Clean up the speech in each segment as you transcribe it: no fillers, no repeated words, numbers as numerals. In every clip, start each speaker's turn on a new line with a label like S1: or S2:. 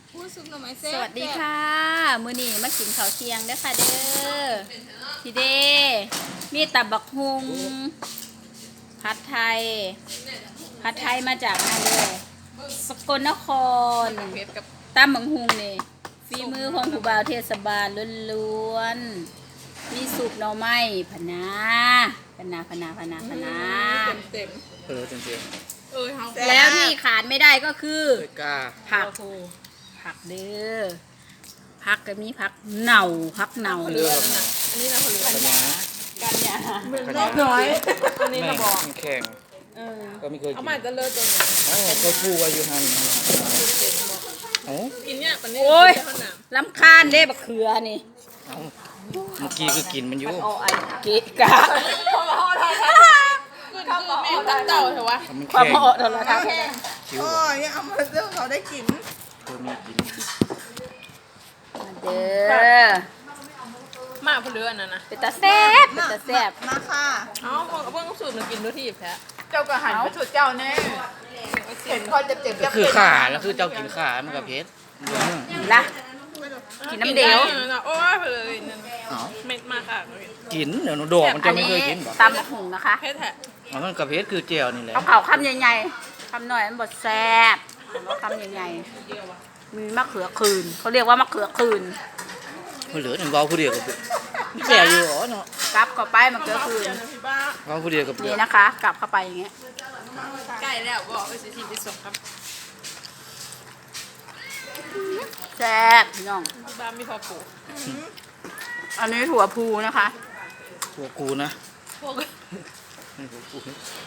S1: พูดซุปหน่อไม้แซ่บ
S2: สวัสดีค่ะมื้อนี้มากินข้าวเที่ยงเด้อค่ะเด้อพี่เด้มีตับบักฮุงผัดไทยมาจากอะไรเลยสกลนคร
S1: เผ็ดกับ
S2: ตำบักฮุงนี่ฝีมือของผู้บ่าวเทศบาลล้วนๆมีสุปหน่อไม้พะนา
S1: เต็ม
S3: เออจริง
S1: เฮา
S2: แล้วที่ขาดไม่ได้ก็คือ
S3: ๆเลยกล้า
S2: ผักเด้อผักก็มีผักเน่าผักเน่า
S1: เรือนะอันนี้นะคนเรือ
S3: ปัญญา
S2: กันเนี่ย
S1: รอบน้อยอันนี้
S3: แม่
S1: เราบอก
S3: แข็ง
S2: เออ
S3: ก็ไม่เคยกิ
S1: เอา
S3: น
S1: มาจะเลิศตัวนี้
S3: อ๋อก็พูดว่าอยู่หันเอ้า
S1: กินเนี่ยปันนี้
S2: โอ้ย
S1: ข้าวหนาม
S2: ลำคาญเด้บักเขือนี่
S3: เอ้าเมื่อกี้ก็กินมันอยู่
S2: เอาไอ้เกะกะ
S1: คือแม่ตั้งเต่าเถอะวะ
S3: มัน
S2: ความ
S3: แข็ง
S2: เหมาะโทรทัศน์
S3: คิ้ว
S4: โอ้ยเนี่ยเอามาเรื่องเขาได้กิน
S3: เธอมีกิน
S2: เด้อ
S1: มาคนเรือนั่นนะ
S2: เป็นตาแซ่บเป็นตาแซ่บ
S4: มาค่ะ
S1: เอ้าเพิ่งสูตรมากินด้วยที่แท้
S4: เจ้าก็หันไปสุดเจ้าแน่เห็นคนเจ็บๆ
S3: ก็คือขาแล้วคือเจ้ากินขามันกับเพชร
S2: ละกินน้ำเดียว
S1: โอ้ยเลยนั่น
S3: เอ้า
S1: เม็ดมากค่ะ
S3: กินเดี๋ยวหนูดอกมัน
S2: อั
S3: จะ
S2: น
S3: ไม่
S2: นี้
S3: เคยกินบ่
S2: ตำบักหุ่งนะคะ
S1: เพชรแท้
S3: อ๋อมันกับเพชรคือเจียวนี่แหละ
S2: เอาเข่าคำใหญ่ๆคำหน่อยมันบดแซ่บเอาคำใหญ่ๆมีมะเขือคืนเขาเรียกว่ามะเขือคืน
S3: มันเหลือหนึ่งเบาผู้เดียวกับแก่อยู่อ๋อเนาะ
S2: กลับเข้าไปมะเขือคืน
S1: พี่บ้า
S3: เบาผู้เดียวกับเปลื
S2: นี่
S3: อก
S2: นะคะกลับเข้าไปอย่างเงี้ย
S1: ใกล้แล้วบอกไปสิไปส่งครับ
S2: แซ่บพี่น้อง
S1: พี่บ้ามีพอปลูก
S2: อันนี้ถั่วพูนะคะ
S3: พวกกูนะ
S1: พวก
S3: นี่พวกกู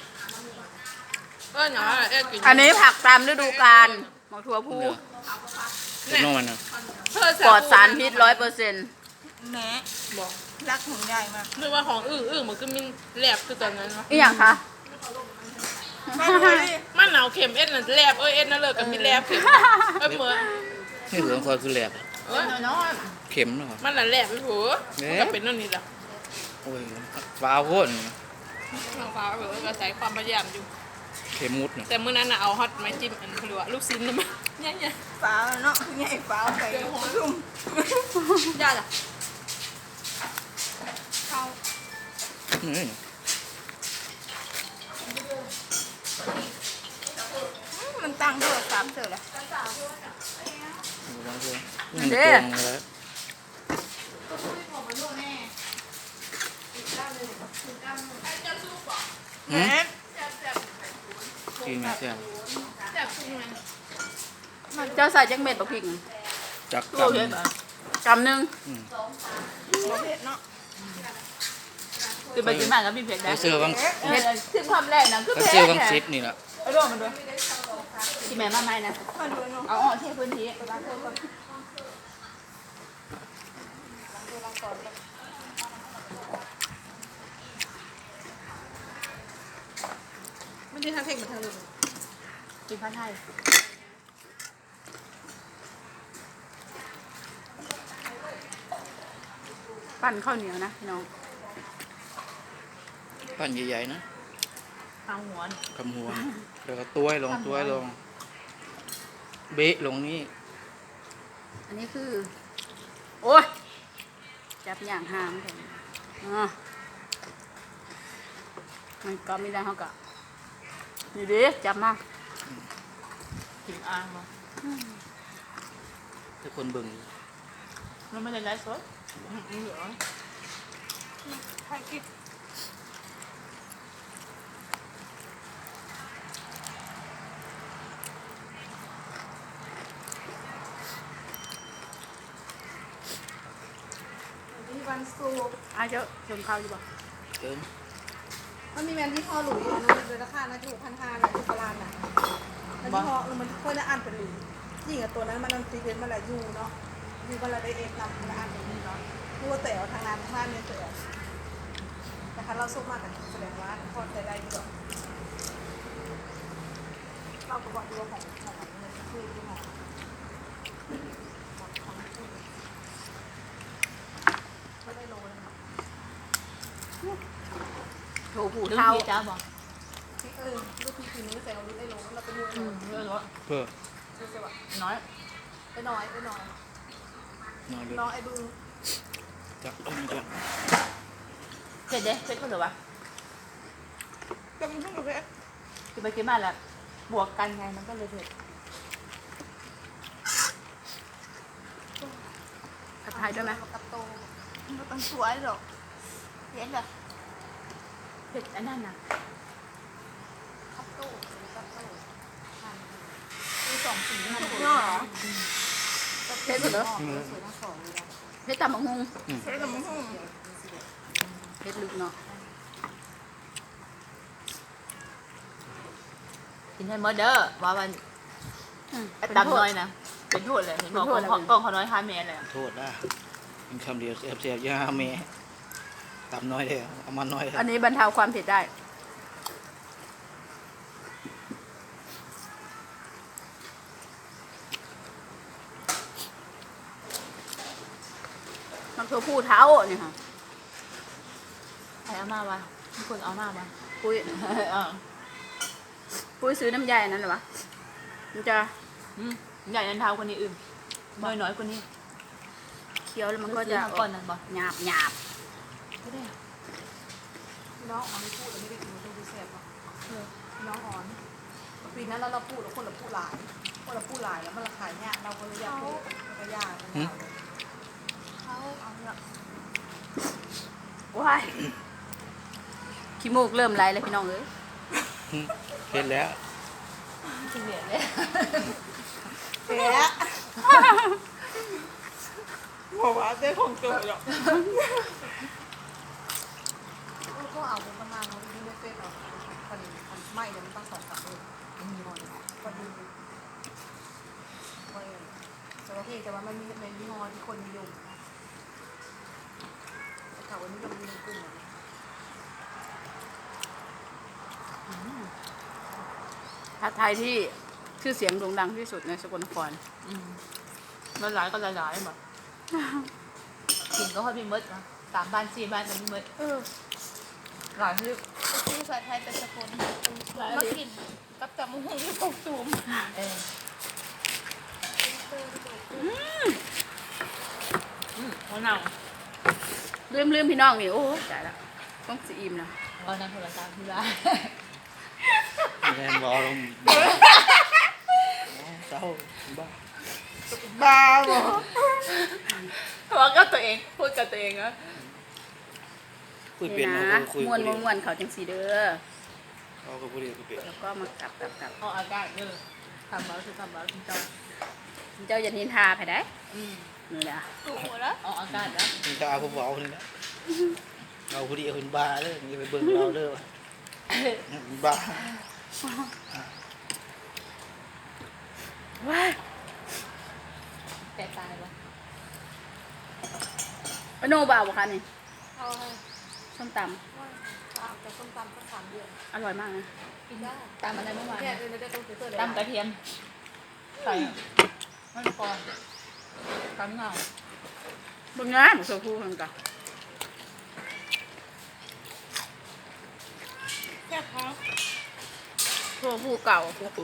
S1: หนากิน
S2: อันนี้ผักตามฤดูกาลหมกถั่วพู
S3: เนี่ยเป็นนอกมันนะ
S2: ปลอดสารพิษ100%
S4: แม่
S1: บอก
S4: รักของใหญ่มาก
S1: นึกว่าของอึ่งมันก็มีแลบคือตอนนั้นวะ
S2: อีหยังคะ
S4: มาดูดิ
S1: มันหนาวเข็มเอ็ดน่ะแลบเอ็ดน่ะเลิกกับมีแลบเข็มเหมือน
S3: นี่เหลืองคอยคือแหลบ
S4: น้อย
S3: เข็มเนาะ
S1: มันน่ะแลบไปหัวมันก็เป็นนั่นนี่แหละ
S3: โอ้ยฟ้าโคตร
S1: น้องฟ้าก็ใส่ความพยายามอยู่
S3: เข็มมุดเนี่ย
S1: แต่มื้อนั้นน่ะเอาฮอตไม้จิ้มอันเขาเรียกว่าลูกชิ้นน่ะมาเนี่ย
S4: ๆฟ้าเนาะใหญ่ฟ้าไปรุ่ม
S1: ๆย่าจ้ะ
S3: นี่
S4: มันตั้งโทรศัพท์เสร็จแล้ว
S3: มันโกงแล้ว
S4: แม่
S3: กินไม่แซ่บ
S2: เจ้าใส่จังเม็ดบักพริก
S3: จัก
S2: ตัว
S3: กำ
S2: เยอะกำหนึ่ง
S4: บ่เผ็ดเนาะ
S2: คือไปกินมากกับพี่เผ็ด
S3: ไป
S2: ได้
S3: เสื้อวัง
S2: เผ็ดถึงความแรกนะคือ
S3: ไป
S2: เผ็ด
S3: เสื้อวังซิปนี่แหละ
S2: เอาลงมาด้วยที่แม่มาใหม่นะ
S4: มาดูเนาะ
S2: เอาออกที่พื้นที่
S1: ไม่ได้ทางเทคมาทางนึง
S2: กินผัดไทยปั้นข้าวเหนียวนะพี่น้อง
S3: ปั้นใหญ่ๆนะ
S1: ทางหัว
S3: คำหัวแล้วก็ตัวให้ลงตัวให้ลงเบะลงนี่
S2: อันนี้คือ โอ้ยจับอย่างหามเลยมันก็ไม่ได้เขากะนี่ดิจับมา
S1: ถึงอ่างมา
S3: ทุกคนเบิ่ง
S1: แล้วไม่ได้ไลฟ์สดเหลือ
S4: ใครกิน
S5: มีวันศุกร์
S2: เจ้าชนข้าวอยู่บ่
S3: เอิ้ม
S5: มันมีแมนที่พ่อหลุยส์นะเลยราคานะถูก1,500นะที่ตลาดน่ะมันที่พ่อมันค่อยได้อ่านเป็นหลุยส์ยิ่งกับตัวนั้นมันตีเป็นมาหลายยูเนาะยูมันละได้เอ็นนำมาอ่านเป็นนี้เนาะรู้ว่าแต่ทางนั้นทางนี้แต่แต่คันเราสุกมากกันแสดงว่าพอแต่ได้ดีกว่าเราก็บอกดูว่าของเงินคือของก็ได้โลนึงเนาะ
S2: โถผูเท่า
S1: จ้าบอก
S5: ลูกพี่คืนนี้ใส่เอาลูกได้โลเราไปดู
S1: เยอะ
S3: เพื่อ
S1: น้อย
S5: ไปหน่อย
S3: นอนเลย
S5: น้องไอ้บึง
S3: จับเอามันจับ
S4: เผ็ดเด้เผ็ดเพิ่นเหรอวะ
S5: จะมันต้องกับเพชร
S4: กินไปกินมาแล้วบวกกันไงมันก็เลยเผ็ด
S2: ผัดไทยด้วยไหม
S5: กับโตมันต้องสวยหรอกเห็นเหรอ
S4: เผ็ดอันนั้นน่ะ
S5: กับโตกับโต
S4: คือสองสีมัน
S5: เนาะ
S2: เผ็ดเหรอ
S5: สวยทั้งสองเลยนะ
S2: เผ็ดตำบักฮุง
S5: ใช่กับมึง
S2: เผ็ดลึกเนาะ
S4: กินให้หมดเด้อว่ามัน
S2: เป็น
S4: ตำ
S2: โท
S4: น้
S2: ษ
S4: อยนะเป็นโทษเลยเห็นบอก
S2: เป็นโทษอะไร
S4: กล้องเขาน้อย5เมตรเลยอะ
S3: โทษนะเป็นคำเดียวเสียบๆยาเมตำน้อยเลยเอามันน้อยเลย
S2: อันนี้บรรเทาความเผ็ดได้มันคือผู้เท้าเนี่ยค่ะ
S4: ใครเอามาวะมีคนเอามาวะ
S2: ปุ้ย
S4: เออ
S2: ปุ้ยซื้อน้ำยาอันนั้นเหรอวะมันจะ
S4: ใหญ่นันเท้าคนนี้อื่นน้อยคนนี้
S2: เคี้ยวแล้วมันก็
S4: ซื้
S2: จะ
S4: อมาก่อนนั่นบ่
S2: หยาบหยาบ
S4: ไม่ได้
S5: น้องอ๋อนพูดแล้วไม่ได้กินมันต้องดูแซ่บเนาะน้องอ๋อนปีนั้นเราพูดแล้วคนละพูดหลายแล้วมันราคาเนี่ยเราก็เลยอยากพูดมันก็ยากเขาเอาละ
S2: ว้ายขี้มูกเริ่มไหลเลยพี่น้องเอ้ย
S3: เผ็ดแล้ว
S4: จริงเหรียญเลย
S5: เสียบอกว่าได้ของเกิดหรอกก็เอาประมาณนั้นนี่ไม่เป็นหรอกคนไม่เดี๋ยวมันต้อง2-3เลยมีหน่อยก็ดูแต่ว่าแต่ว่ามันมีในยี่ห้อที่คนนิยมนะแต่ข่าววันนี้มันมีในกลุ่ม
S2: ผัดไทยที่ชื่อเสียงโด่งดังที่สุดในสกลนคร
S4: มันหลายก็หลายแบบกินก็ค่อยมีมดนะ3 บ้าน 4 บ้านก็มีมดหลายที่
S1: ชื่อภาษาไทยเป็นสกุลมากินกับตำบักหุ่งที่ผมซูม
S4: เออหัวหนัง
S2: ลืมพี่น้องนี่โอ้ตายละต้องสีอิ่มนะ
S4: เอานั่งโทรศัพท์ที่บ้าน
S3: แรงบอลงเศร้าบ้า
S5: บ้าบ่
S4: เพราะว่าก็ตัวเองพูดกับตัวเองอะ
S3: คุยเปลี่ยน
S2: นะ
S3: เอาคุย
S2: ม้วน
S3: เปลี่ยน
S2: ม้วนเขาจังสีเด้อ
S3: เอาก็คุยเปลี่ยนคุยเปลี่ยน
S2: แล้วก็มากลับ
S4: เอาอากาศเด้อทำบ้าคือทำบ้าคุณเจ้า
S2: เจ้าอย่านินทาไปได้
S4: อืม
S2: นี่นะ
S1: ถูกหมดแล้ว
S4: เอาอากาศนะ
S3: มึงจะเอาผมบอกนี่นะเอาคุยเอาคุณบ้าเลยนี่ไปเบิ่งเราเด้อคุณบ้า
S2: ว้าย
S4: แต่ตายวะ
S2: ปะโนบ่าวบ่คะนี่
S5: เอาให้
S2: ส้มต
S5: แต่ส้มตำก็3 เดือน
S2: ำอร่อยมากนะ
S5: กินได้
S4: ตามอะไรเมื่อวาน
S5: เนี่ยไม่ได้ต้องซื้อเลย
S4: ตำกระเทียมใส่มันพอตำเงา
S2: เบิ่งงานโซฟูกันกัน
S1: แค่พอ
S2: โซฟูเก่า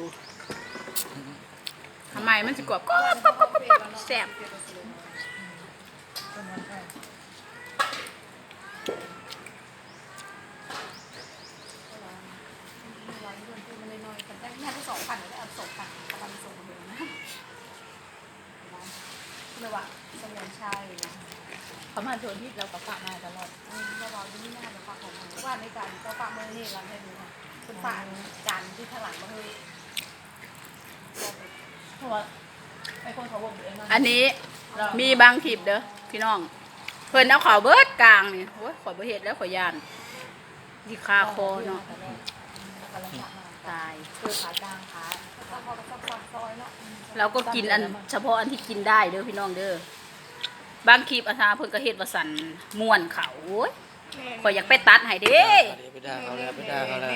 S2: ทำไมมันสิกรอบแซ่บ
S4: เป็นวันแรก
S5: ร้อยเดือนมันน้อยๆกันได้แม่ที่2,000เลยเอา2,000ประมาณส่งมาเลยนะเลยว่าสมุนไพรนะ
S4: เขามาชวนที่เรากับฝากมาตลอด
S5: เราบอกที่นี่น่าจะฝากของมันว่าในการก็ฝากมือนี่เราให้ดูนะคุณฝากจานที่ข้างหลังมาให้
S4: เพราะว่าไอ้คนเขาบอกเองว่า
S2: อันนี้มีบางคลิปเด้อพี่น้อง เพิ่นเอาขาวเบิดกลางนี่โอ้ยข่อยบ่เฮ็ดแล้วข่อยย่านดีคาคอเนาะ
S4: กำลังฝากมา
S2: ตาย
S4: คือขากลางขา
S5: แล้วพอซับซอยเนาะ
S2: เราก็กินอันเฉพาะอันที่กินได้เด้อพี่น้องเด้อบางคลิปอาทาเพิ่นก็เฮ็ดว่าสั่นม่วนเขาโอ้ยข่อยอยากไปตัดให้เด้
S3: เดี๋ยวไปด่าเขาแล้วไปด่าเขาแล้ว